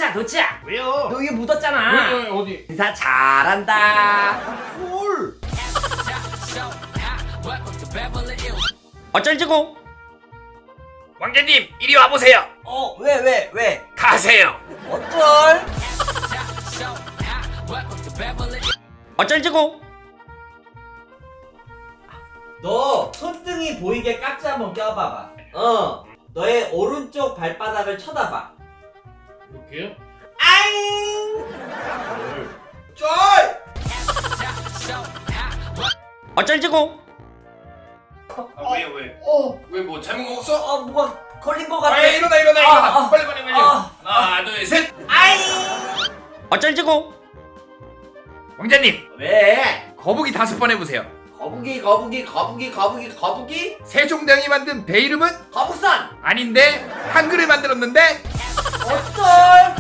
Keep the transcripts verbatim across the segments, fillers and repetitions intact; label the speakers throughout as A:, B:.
A: 도치야 도치야.
B: 왜요?
A: 너 여기 묻었잖아.
B: 왜, 왜, 어디?
A: 인사 잘한다.
B: 헐.
A: 어쩔지고?
B: 왕자님 이리 와보세요.
A: 어, 왜, 왜, 왜?
B: 가세요.
A: 어쩔? 어쩔지고? 너 손등이 보이게 깍지 한번 껴봐봐. 어, 너의 오른쪽 발바닥을 쳐다봐.
B: 이렇게요?
A: 아잉!
B: 쩔!
A: 어쩔지고?
B: 아, 왜요 왜?
A: 어,
B: 왜 뭐 잘못 먹었어?
A: 어, 뭐가 걸린 것 같아.
B: 아 일어나 일어나
A: 아,
B: 일어나.
A: 아,
B: 빨리 빨리 빨리.
A: 아,
B: 하나 둘 셋.
A: 아잉! 어쩔지고?
B: 왕자님
A: 왜?
B: 거북이 다섯 번 해보세요.
A: 거북이, 거북이, 거북이, 거북이, 거북이?
B: 세종대왕이 만든 배 이름은?
A: 거북선!
B: 아닌데 한글을 만들었는데?
A: 어쩔?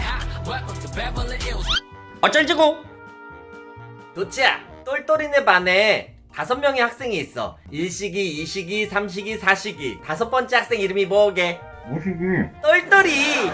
A: 어쩔지고? 도치야, 똘똘이네 반에 다섯 명의 학생이 있어. 일 시기, 이 시기, 삼 시기, 사 시기. 다섯 번째 학생 이름이 뭐게?
B: 무식이.
A: 똘똘이.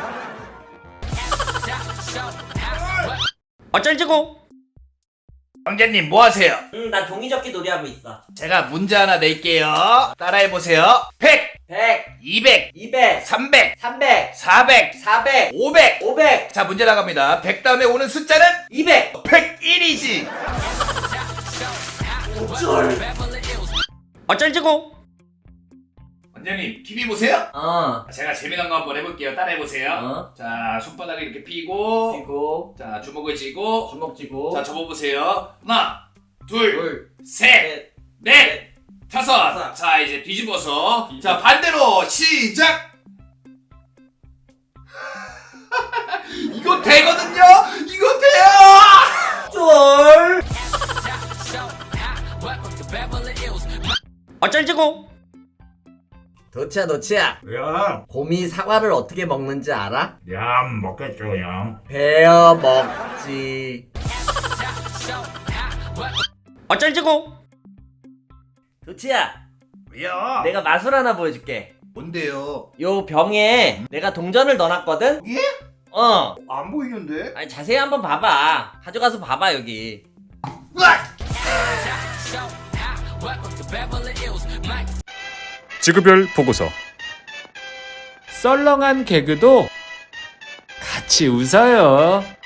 A: 어쩔지고?
B: 왕자님 뭐 하세요?
A: 응, 나 종이접기 놀이하고 있어.
B: 제가 문제 하나 낼게요. 따라해보세요. 백,
A: 백,
B: 이백,
A: 이백,
B: 삼백,
A: 삼백,
B: 사백,
A: 사백,
B: 오백.
A: 오백,
B: 자 문제 나갑니다. 백 다음에 오는 숫자는
A: 이백.
B: 백일이지.
A: 어쩔? 어쩔지고?
B: 왕자님 티비 보세요?
A: 어.
B: 제가 재미난 거 한번 해볼게요. 따라해보세요.
A: 어?
B: 자 손바닥을 이렇게 펴고
A: 그리고
B: 자 주먹을 쥐고
A: 주먹 쥐고.
B: 자 접어보세요. 하나 둘
A: 둘,
B: 셋
A: 셋,
B: 넷 다섯.
A: 다섯.
B: 자 이제 뒤집어서 자 반대로 시작. 이거 되거든요. 이거 돼요.
A: 쫄. 어쩔지고? 도치야 도치야,
C: 야,
A: 곰이 사과를 어떻게 먹는지 알아?
C: 얌 먹겠죠, 얌.
A: 베어 먹지. 어쩔지고? 도치야,
B: 왜요?
A: 내가 마술 하나 보여줄게.
B: 뭔데요?
A: 요 병에 내가 동전을 넣어놨거든?
B: 예?
A: 어.
B: 안 보이는데?
A: 아니 자세히 한번 봐봐. 가져가서 봐봐 여기.
B: 으악!
D: 지구별 보고서. 썰렁한 개그도 같이 웃어요.